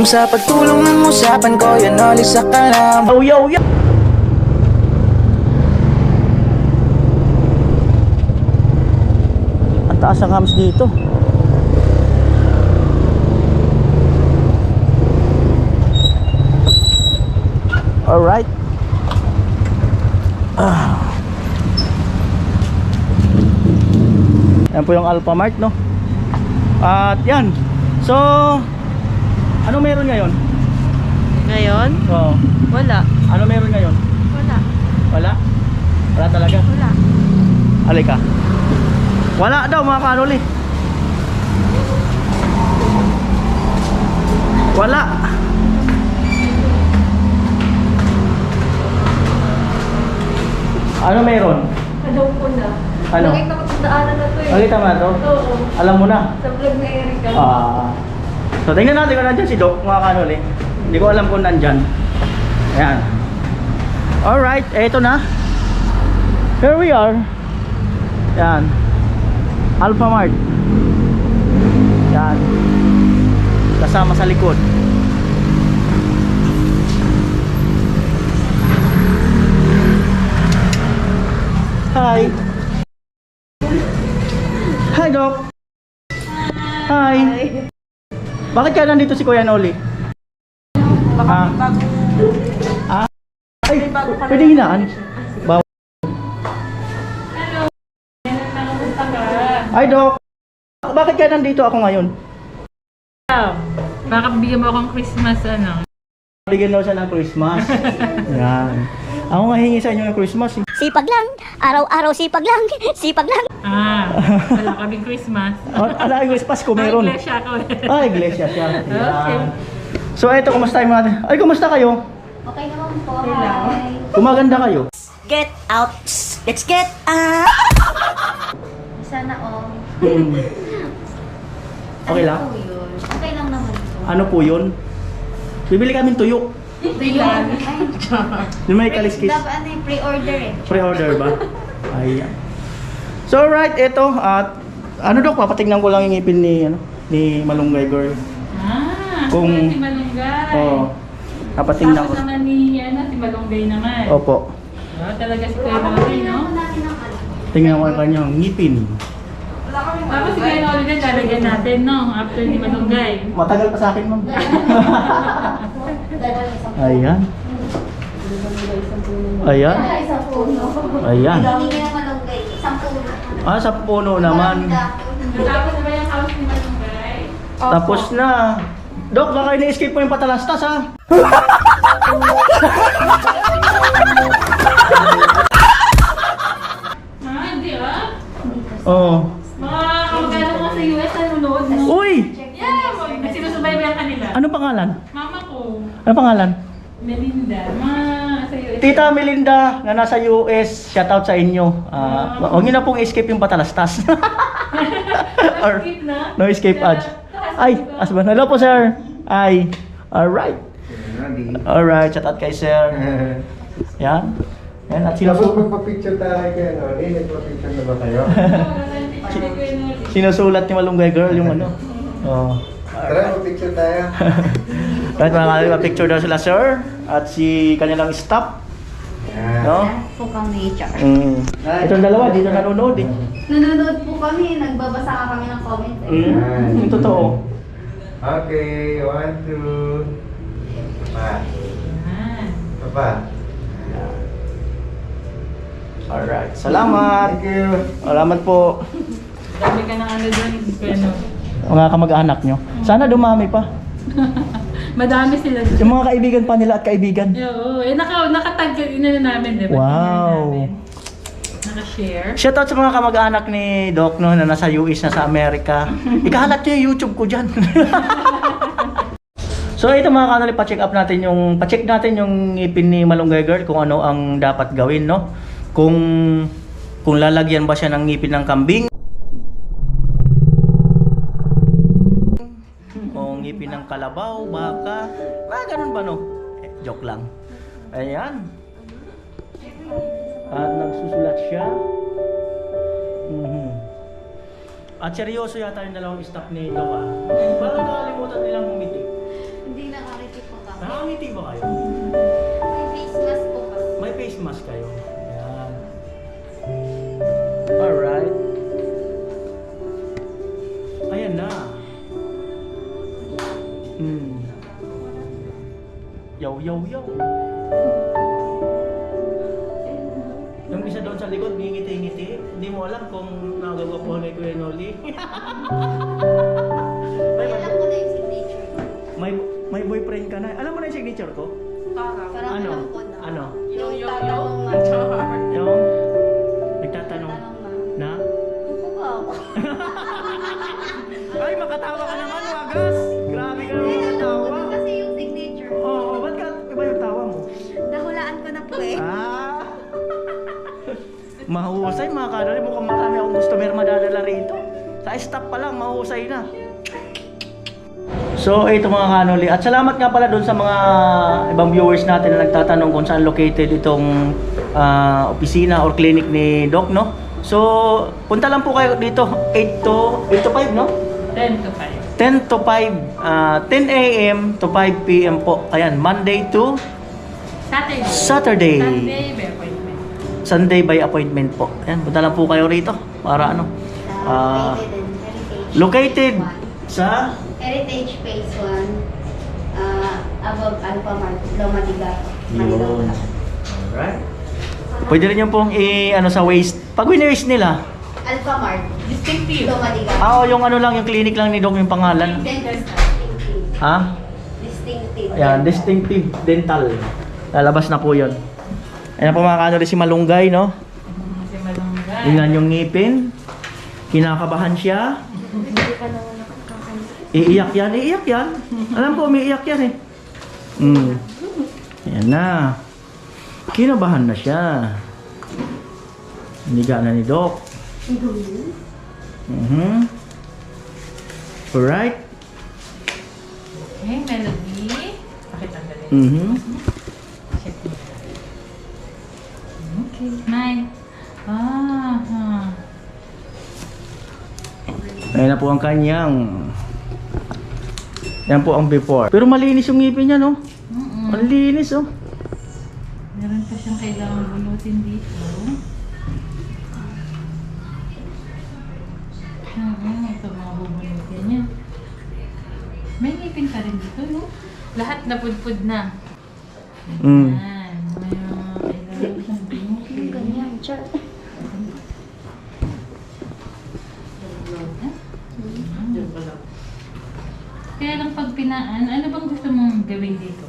sa pagtulong ng usapan ko, yan alis sa kalam. Oh, yo, yo! Ang taas ang hams dito. Alright. Yan po yung Alphamart, no? At yan. So, ano meron ngayon? Ngayon? Oo. Wala. Ano meron ngayon? Wala. Wala? Wala talaga? Wala. Alika. Wala daw mga kanoli. Wala. Ano meron? Alam ko na. Ano? Nakita ko sa daanan na to eh. Nakita mo na to? Oo. Alam mo na? Sa vlog na Erika. So tingnan natin kung nandyan si Doc mga kanoli. Hindi ko alam kung nandyan. Ayan. Alright, eto na. Here we are. Yan. Alphamart. Yan. Kasama sa likod. Hi. Hi, Doc. Hi. Bakit kaya nandito si Kuya Noli? Baka Ah. bago. Ay, pwede hinaan. Bawal. Hello. Nakapunta ka. Hi, Doc. Bakit kaya nandito ako ngayon? Baka bigyan mo akong Christmas ano. Bigyan daw siya ng Christmas. Yan. Ako nga hingi sa inyo ng Christmas. Sipag lang, araw-araw sipag lang, sipag lang. Wala kaming Christmas. Ala, Christmas ko meron. Iglesia ako. Iglesia siya. Okay. Yan. So, eto, kumusta yung mga... Ay, kumusta kayo? Okay naman po, Okay lang. hi. Kumaganda kayo? Get out, let's get out. Sana all. Hmm. Okay lang? Ano po yun? Okay lang naman po. Ano po yun? Bibili kami tuyo. Tuyo. Ay, Yung may kaliskis. dapat ano yung pre-order eh. Pre-order ba? Ayan. So, right, eto. At ano daw, papatignan ko lang yung ngipin ni Malunggay Girl. Kung... Si Malunggay. Oo. Papatignan ko. Tapos naman ni si Malunggay naman. Opo. Talaga si Kuya Malunggay, no? natin ang ano. Tingnan ko ang kanyang ngipin. Tapos si Kuya Noli din lalagyan natin, no? After ni Malunggay. Matagal pa sa akin, ma'am. Ayan. Ayan. Isang puno. Ayan. Hindi na malunggay. Isang puno. Sa puno naman. Tapos na ba yung house ni Malunggay? Tapos na. Dok, baka ini-escape mo yung patalastas, ha? Hindi ah. Oo. Mga kamag-anak mo sa US nanonood, no? Uy! Yeah, nagsinusubaybayan kanila. Anong pangalan? Mama ko, Anong pangalan? Melinda, sa US. Tita Melinda na nasa US, shoutout sa inyo. Huwag niyo na pong escape yung patalastas. Or, Skip na? no escape ads. Ay, asban. Hello po, sir. Ay. Alright. Alright, shoutout kay sir. Yan. Yan, at Tapos sinusulat. magpa-picture tayo kayo, no? Nagpa-picture na ba kayo? Sinusulat ni Malunggay Girl yung ano. Oh. Tara, mag-picture tayo. Right, mga kalima, picture daw sila, sir. At si kanilang staff. Yan. No? Po kami, char. Itong dalawa, dito nanonood eh. Nanonood po kami, nagbabasa ka kami ng comment eh. Yung totoo. Okay, 1, 2. Pa. Pa. Alright, salamat. Thank you. Salamat po. Dami ka ng ano doon, Kuya Mga kamag-anak nyo. Sana dumami pa. Madami sila doon. Yung mga kaibigan pa nila at kaibigan. Oo, nakatag na namin, di ba? Wow. Naka-share. Shoutout sa mga kamag-anak ni Doc no, na nasa US, nasa Amerika. Ikahalat nyo yung YouTube ko dyan. So ito mga kanali, pa-check natin yung ngipin ni Malunggay Girl kung ano ang dapat gawin, no? Kung lalagyan ba siya ng ngipin ng kambing o ngipin ng kalabaw, baka, ganun ba, no? Joke lang. Ayan. At nagsusulat siya. At seryoso yata yung dalawang staff ni Doc, ah. Parang nakalimutan nilang humiti. Hindi na Nakangiti ba kayo? May face mask po kasi. May face mask kayo. Ayan. Alright. Ayan na. Yo, yo, yo. Yung isa doon sa likod, ngingiti-ngiti. Hindi mo alam kung nagagawa ko ni Kuya Noli. Alam ko na yung signature. May boyfriend ka na. Alam mo na yung signature ko? Parang. Parang Ano? alam ko na. Ano? Yung tatanong na. Yung nagtatanong Tatanong na. na? Upo ba ako? Ay, makatawa ka naman, wagas! Grabe ka naman makatawa. Kasi yung signature. Oo, ba't ka iba yung tawa mo? Nahulaan ko na po eh. Ah! Mahusay mga kanoli, mukhang marami akong customer madadala rito. Sa stop pa lang, mahusay na. So, ito mga kanoli. At salamat nga pala doon sa mga ibang viewers natin na nagtatanong kung saan located itong opisina or clinic ni Doc, no? So, punta lang po kayo dito. 8 to 5, no? 10 to 5. 10 to 5, 10 a.m. to 5 p.m. po. Ayan, Monday to Saturday. Saturday. Sunday, by appointment. Sunday by appointment po. Ayan, punta lang po kayo rito para ano. Located in Heritage. Located Phase 1. sa Heritage Phase 1. Above Alpha Mart, Loma de Gato. yun. Alright. Pwede rin yung pong ano sa waist. Pag win-waist nila, Alpha Mart, Distinctive. Loma de Gato. yung ano lang, yung clinic lang ni Doc yung pangalan. Distinctive. Ha? Distinctive. Ayan, Distinctive Dental. Lalabas na po yun. Ayan po mga kanoli si Malunggay, no? Si Malunggay. Tingnan yung ngipin. Kinakabahan siya. Iiyak yan, iiyak yan. Alam ko, umiiyak yan eh. Ayan na. Kinabahan na siya. Hiniga na ni Doc. Alright. Okay, Melody. Pakita na rin. Check mo. Okay, smile. Ayan na po ang kanyang. Yan po ang before. Pero malinis yung ngipin niya, no? Ang linis, oh. Meron pa siyang kailangan bunutin dito. Ito mga bubunutin niya. May ngipin pa rin dito, no? Lahat napudpud na. Ayan. May mga kailangan siyang bunutin. Ganyan, char. Kaya lang pag pinaan, ano bang gusto mong gawin dito?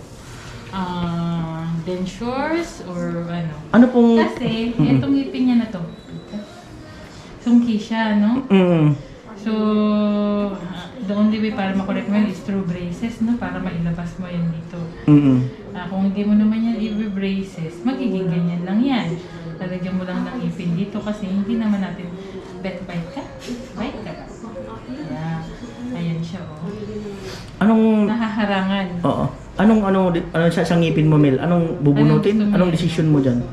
Dentures or ano? Ano pong... Kasi, itong ngipin niya na to. Sungki siya, no? So, the only way para makorek mo yun is through braces, no? Para mailabas mo yan dito. Kung hindi mo naman yan i-braces, magiging ganyan lang yan. Lalagyan mo lang ng ipin dito kasi hindi naman natin bite ka. Bite ka. Yeah. Ayan siya, oh. Anong... Nahaharangan. Oo. Anong sa ngipin mo, Mel? Anong bubunutin? Anong gusto mo Anong yan? decision mo dyan?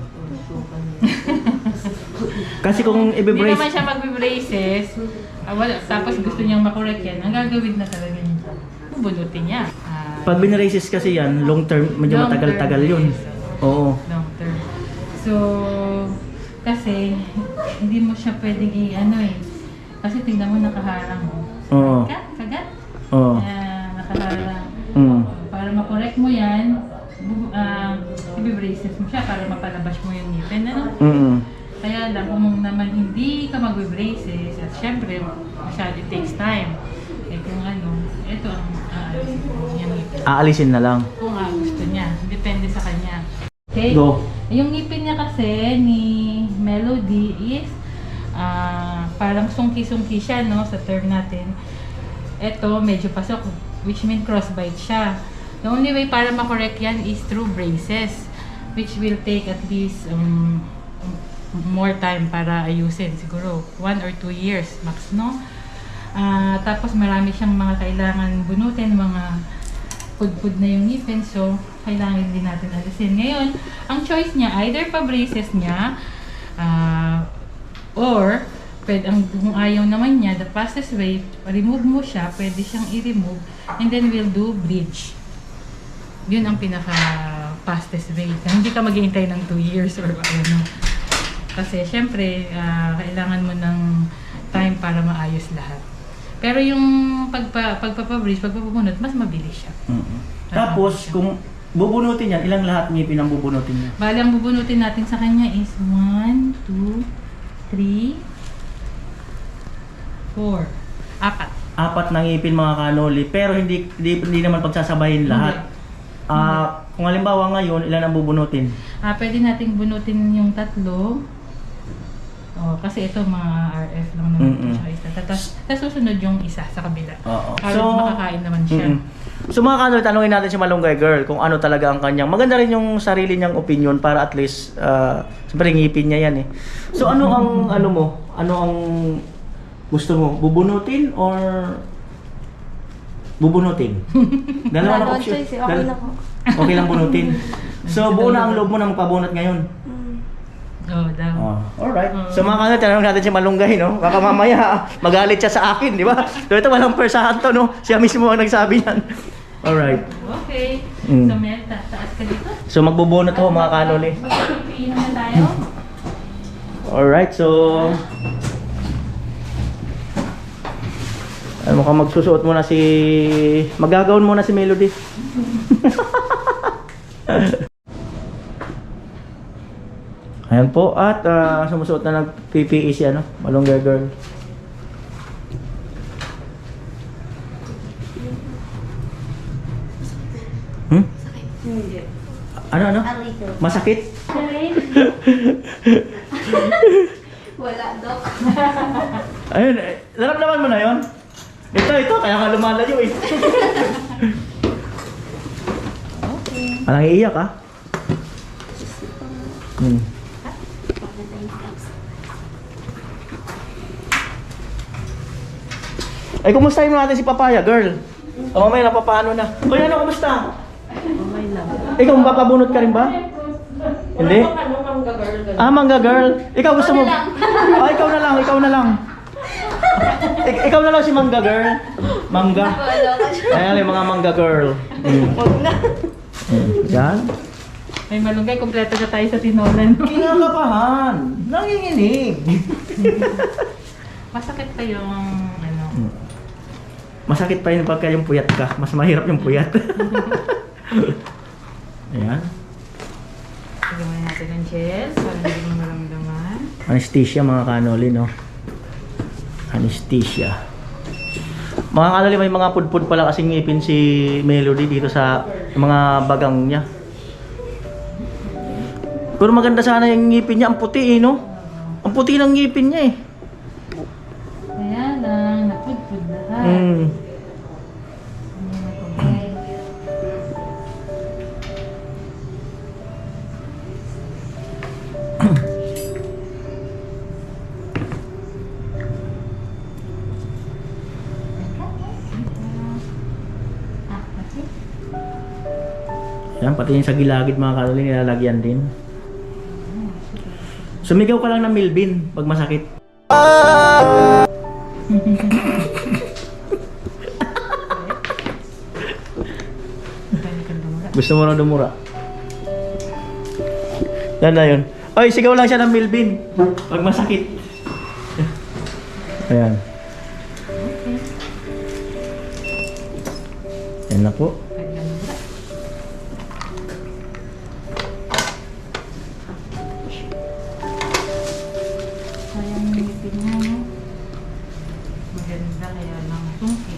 Kasi kung Hindi naman i-brace... siya mag-braces, tapos gusto niyang makorek yan, ang gagawin na talaga niya, bubunutin niya. Pag binraces kasi yan, long term, medyo Long matagal-tagal term yun. braces. Oo. Long term. So, kasi hindi mo siya pwedeng kasi tingnan mo nakaharang mo. Oo. Kagat? Oo. Nakaharang. Para makorek mo yan, i-braces mo siya para mapalabas mo yung ngipin. Ano? Kaya lang, kung naman hindi ka mag-braces, at syempre, masyado it takes time. Eh kung ito ang aalisin mo yung ngipin. Aalisin na lang. Kung gusto niya, depende sa kanya. Okay? Go. Yung ngipin niya kasi ni Melody is parang sungki-sungki siya, no, sa term natin. Ito, medyo pasok, which means crossbite siya. The only way para makorek yan is through braces, which will take at least more time para ayusin. Siguro 1 or 2 years max, no? Tapos marami siyang mga kailangan bunutin, mga pudpud na yung ngipin, so kailangan din natin alisin. Ngayon, ang choice niya, either pa-braces niya, or kung ayaw naman niya, the fastest way, remove mo siya, pwede siyang i-remove, and then we'll do bridge. Yun ang pinaka fastest way. Hindi ka maghihintay ng 2 years or ano. Kasi syempre, kailangan mo ng time para maayos lahat. Pero yung pagpapabridge, pagpapabunot, mas mabilis siya. Tapos, kung bubunutin yan, ilang lahat ngipin ang bubunutin niya? Bali, ang bubunutin natin sa kanya is 1, 2, 3, 4. 4. 4 na ngipin mga kanoli, pero hindi naman pagsasabayin lahat. Kung halimbawa ngayon, ilan ang bubunutin? Pwede nating bunutin yung 3. Kasi ito mga RF lang naman siya isa. Tapos susunod yung isa sa kabila. Para makakain naman siya. So mga kanoli, tanungin natin si Malunggay Girl kung ano talaga ang kanyang. Maganda rin yung sarili niyang opinion para at least, siyempre ngipin niya yan eh. So ano ang ano mo? Ano ang gusto mo? Bubunutin or bubunutin? Dalawa na option. choice, okay na po. Okay lang bunutin. So buo na ang loob mo na magpabunot ngayon. Daw. Alright. So mga kanol, tanong natin si Malunggay, no? Baka mamaya magalit siya sa akin, di ba? So ito walang persahan to, no? Siya mismo ang nagsabi yan. Alright. Okay. So Mel, taas ka dito. So magbubunot ho mga kanol eh. Magpipinom na tayo. Alright, so mukhang magsusuot muna si... Magagawin muna si Melody. Ayan po, at sumusuot na ng PPE si Malunggay Girl. Hindi. Ano? Arito. Masakit? Wala, Dok. Ayun, naramdaman mo na yon? Ito, kaya ka lumalayo eh. Parang iiyak ah. Ay, kumustahin mo natin si Papaya, girl? O, may napapaano na. Uy, ano, kumusta? Okay lang. Ikaw, mapapabunot ka rin ba? Hindi? Mangga girl. Ikaw gusto mo? Ikaw na lang. Ikaw na lang si Mangga girl. Mangga. Ayan yung mga Mangga girl. Yan. Ay, Malunggay, kompleto na tayo sa tinolan. Kinakabahan. Nanginginig. Masakit pa yung Masakit pa yun pagka yung puyat ka. Mas mahirap yung puyat. Ayan. Gawin natin ng gel para hindi mo maramdaman. Anesthesia mga kanoli, no? Anesthesia. Mga kanoli, may mga pudpud pala kasing ngipin si Melody dito sa mga bagang niya. Pero maganda sana yung ngipin niya. Ang puti eh, no? Ang puti ng ngipin niya eh. Kaya lang, napudpud lahat. Yan, pati yung sa gilagid mga kanoli, nilalagyan din. Sumigaw ka lang ng Milbin pag masakit. Gusto mo na dumura? Yan na yun. Ay, sigaw lang siya ng Milbin pag masakit. Ayan. Yan na po. Sayang yung ngipin niya, no? Maganda kaya lang sungkit.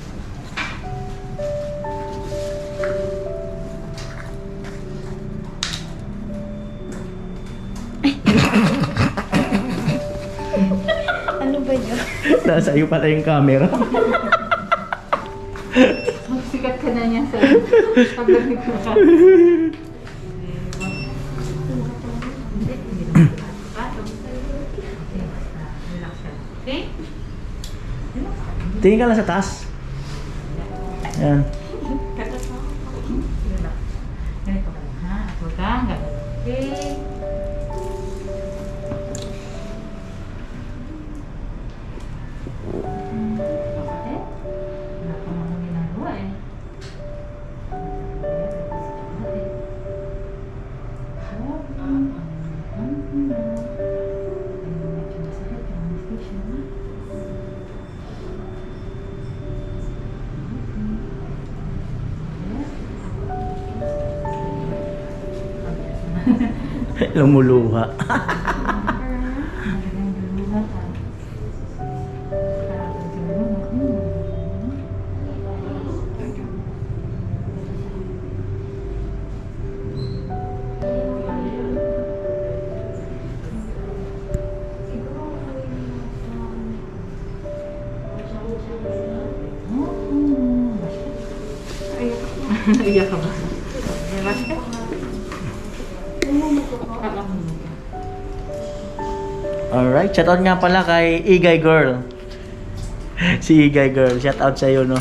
Ano ba yun? Nasa iyo pala yung camera. Magsikat ka na niya sa pagdating ko ka. Okay? Tingin ka lang sa taas. Ayan. Ganito ka lang, ha? At huwag kang gagawin. Okay? Bakit? Wala pa mga ginagawa eh. Lumuluha. Iyak ka ba? Alright, shoutout nga pala kay Igay Girl. Si Igay Girl, shoutout sa iyo, no?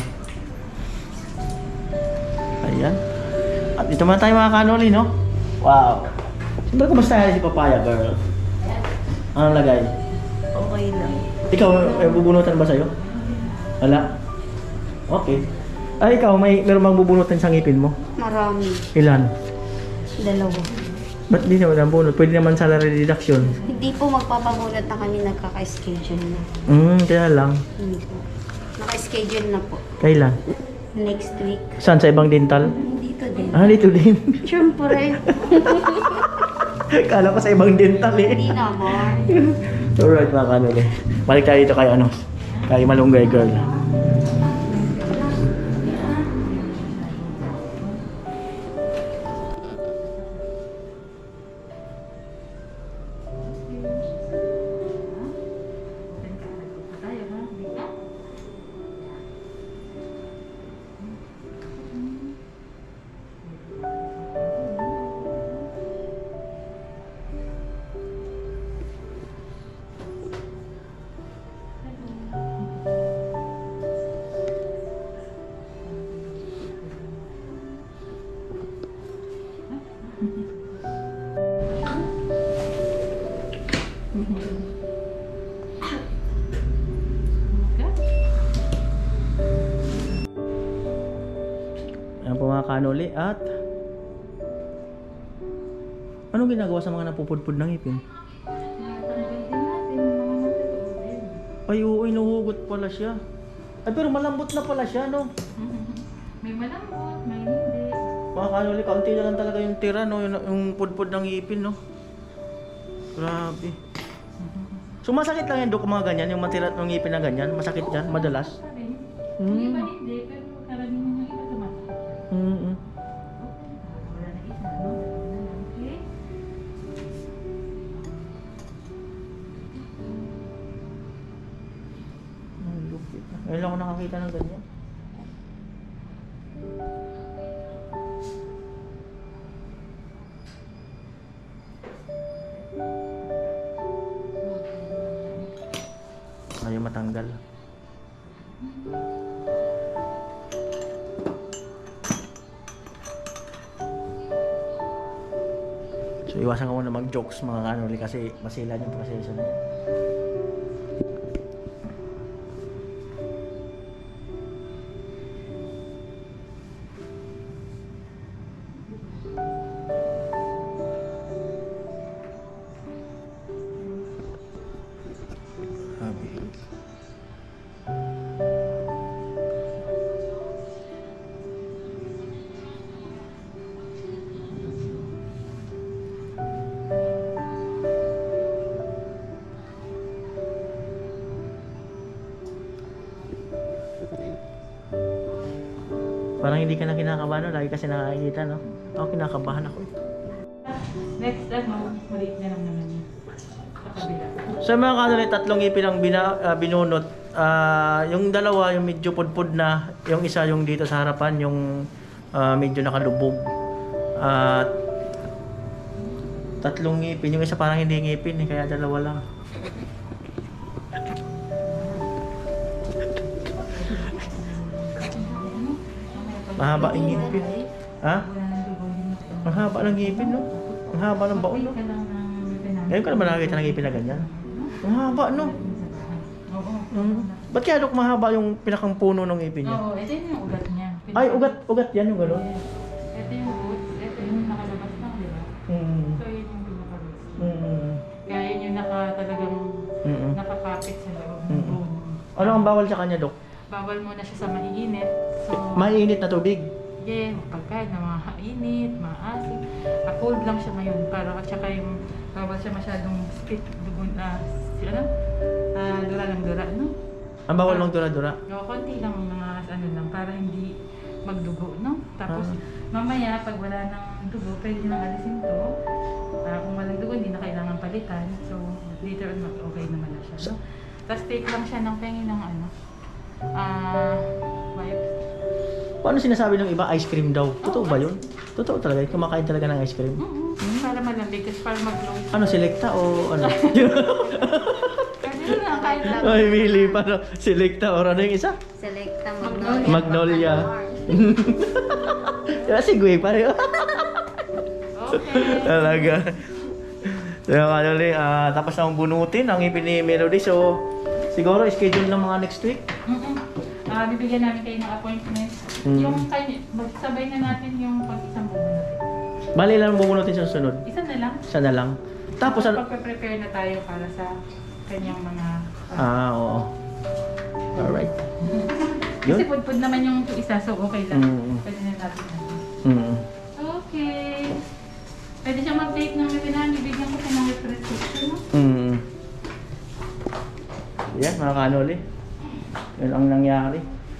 Ayan. At ito muna tayo mga kanoli, no? Wow. Siyempre, kumusta si Papaya Girl? Anong lagay? Okay lang. Ikaw, may bubunutan ba sa'yo? Wala? Okay. Ay, ikaw, meron bang bubunutan sa ngipin mo? Marami. Ilan? 2. Ba't di naman ang bunot? Pwede naman salary deduction. Hindi po magpapabunot na kami nagkaka-schedule na. Kaya lang. Hindi po. Naka-schedule na po. Kailan? Next week. Saan? Sa ibang dental? Dito din. Ah, dito din. Siyempre. Kala ko sa ibang dental eh. Hindi naman. Alright mga kanol eh. Balik tayo dito kay ano, kay Malunggay Girl. Ayan po mga kanoli at anong ginagawa sa mga napupudpud ng ipin? Ay oo, inuhugot pala siya. Ay pero malambot na pala siya, no? May malambot, may hindi. Mga kanoli, kaunti na lang talaga yung tira, no? Yung pudpud ng ipin, no? Grabe. So masakit lang yan, Dok, mga ganyan, yung matira ng ipin na ganyan? Masakit yan, madalas? Yung iba hindi, pero karamihan yung iba tumatakot. Wala na isa, no? Dalawa na lang, okay? Ang lupit. Ngayon lang ako nakakita ng ganyan. Ayaw matanggal. So iwasan ko muna mag-jokes mga kanoli kasi masilan yung proseso na yan. Habi. Parang hindi ka na kinakabahan, no? Lagi kasi nakakita, no? Ako kinakabahan ako. Next, maliit na lang naman yun. Sa kabila. Sa mga kanoli, tatlong ipin ang binunot. Yung dalawa, yung medyo pudpud na. Yung isa, yung dito sa harapan, yung medyo nakalubog. At tatlong ngipin. Yung isa parang hindi ngipin, kaya dalawa lang. Mahaba yung ngipin. Ha? Mahaba ng ngipin, no? Ang haba ng baon, no? Ngayon ka naman nakakita ng ngipin na ganyan? Ang haba, no? Oo. Ba't kaya, Dok, mahaba yung pinakang puno ng ngipin niya? Oo, ito yung ugat niya. Ay, ugat yan yung gano'n? Yes. Ito yung roots, ito yung nakalabas lang, di ba? So, yun yung pinaka-roots. Kaya yun yung talagang nakakapit sa loob ng bone. Ano ang bawal sa kanya, Dok? Bawal muna siya sa maiinit. So, Mainit na tubig. bigyan pagkain na mga init, mga asin. Cold lang siya ngayon para at saka yung bawal siya masyadong spit dugon dura ng dura, no? Ang bawal ng dura-dura. Konti lang mga ano lang para hindi magdugo, no? Tapos mamaya pag wala nang dugo, pwede nang alisin to. Kung walang dugo, hindi na kailangan palitan. So later on okay naman na siya, no? Tapos take lang siya ng pengi ng ano, wipes. Paano sinasabi ng iba ice cream daw? Totoo ba yun? Totoo talaga? Kumakain talaga ng ice cream? Para malambig, kasi para mag-glow. Ano, selecta o ano? Pwede na kahit lang. Ay, Mili, paano? Selecta or ano yung isa? Selecta Magnolia. Si Gwe pareho. Okay. Talaga. So yung ano tapos na bunutin ang ipin ni Melody. So siguro schedule ng mga next week. Bibigyan namin kayo ng appointment. Yung magsabay na natin yung pag-isang bubunutin. Bali lang bubunutin sa sunod. Isa na lang. Isa na lang. Tapos Pagpe-prepare na tayo para sa kanyang mga... oo. Alright. Kasi Yun? pudpud naman yung isa, so okay lang. Pwede na natin natin. Okay. Pwede siyang mag-take ng webinar. Bibigyan ko siya ng prescription, no? Yan, mga kanoli. Yan ang nangyari.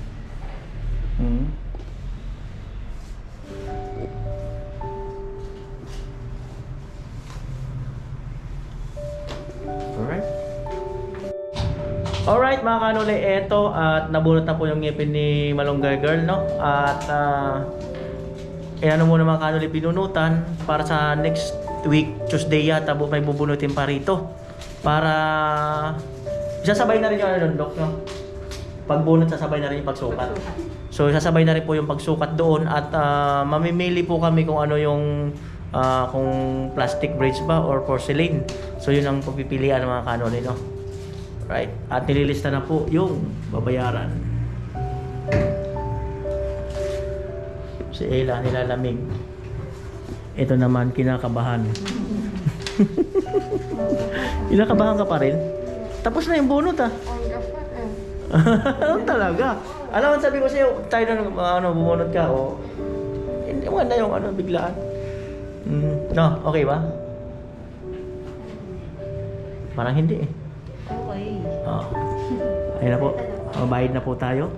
Alright mga kanoli, eto at nabunot na po yung ngipin ni Malunggay Girl, no? At ano muna mga kanoli binunutan para sa next week, Tuesday yata may bubunutin pa rito. Para sasabay na rin yung ano, Dok, no? Pagbunot sasabay na rin yung pagsukat. So sasabay na rin po yung pagsukat doon at mamimili po kami kung ano yung kung plastic braids ba or porcelain. So yun ang pagpipilian ng mga kanoli, no? Right? At nililista na po yung babayaran. Si Ella nilalamig. Ito naman kinakabahan. Kinakabahan ka pa rin? Tapos na yung bunot Ano talaga? Alam mo sabi ko sa'yo, tayo na bumunot ka o hindi mo na yung biglaan. No, okay ba? Parang hindi Okay. Ayun na po. Mabayad na po tayo.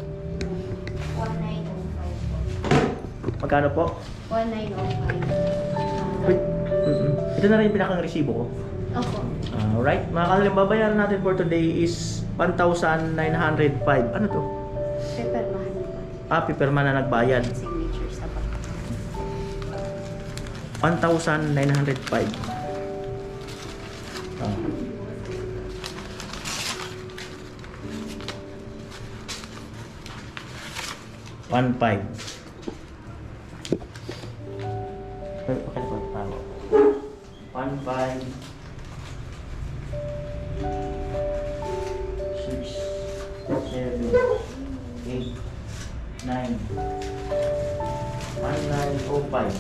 1905. Magkano po? 1905. Wait. Ito na rin yung pinakang resibo ko. Opo. Alright. Mga kanalang babayaran natin for today is 1,905. Ano to? Peppermahan po. Pipirma na nagbayad. Signature sa bag. 1,905. 1,500. Okay na po. 1,500. 6, 7, 8, 9. 1,905.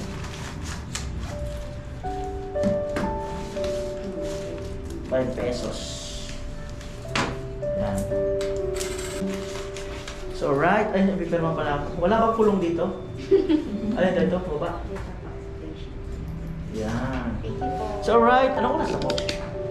5 pesos. Yan. So, right. Ay, nabipirma pala ako. Wala bang pulong dito? Alin dito? Baba? Yan. Thank you po. So, right. Anong oras na po?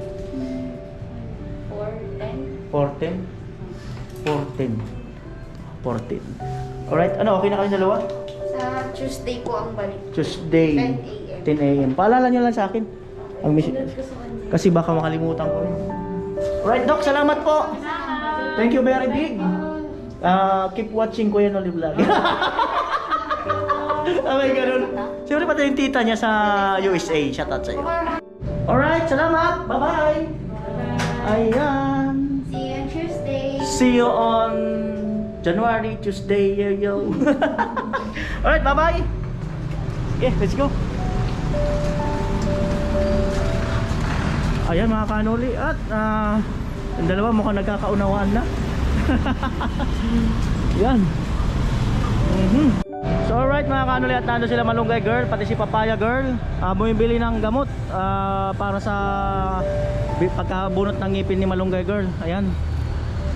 410. 14? 14. Alright. Ano, okay na kayo dalawa? Sa Tuesday po ang balik. Tuesday. 10 a.m. 10 a.m. Paalala nyo lang sa akin. Ang kasi baka makalimutan ko rin. Alright, Doc. Salamat po. Thank you very big. Keep watching Kuya Noli Vlog. May ganun. Siyempre pati yung tita niya sa USA. Shout out sa'yo. Alright, salamat. Bye-bye. Ayan. See you on Tuesday. See you on January, Tuesday. Yo. Alright, bye-bye. Okay, let's go. Ayan mga kanoli. At ang dalawa mukhang nagkakaunawaan na. Yan. So alright mga kanoli, at nando sila Malunggay Girl, pati si Papaya Girl, bumibili ng gamot para sa pagkabunot ng ngipin ni Malunggay Girl. Ayan.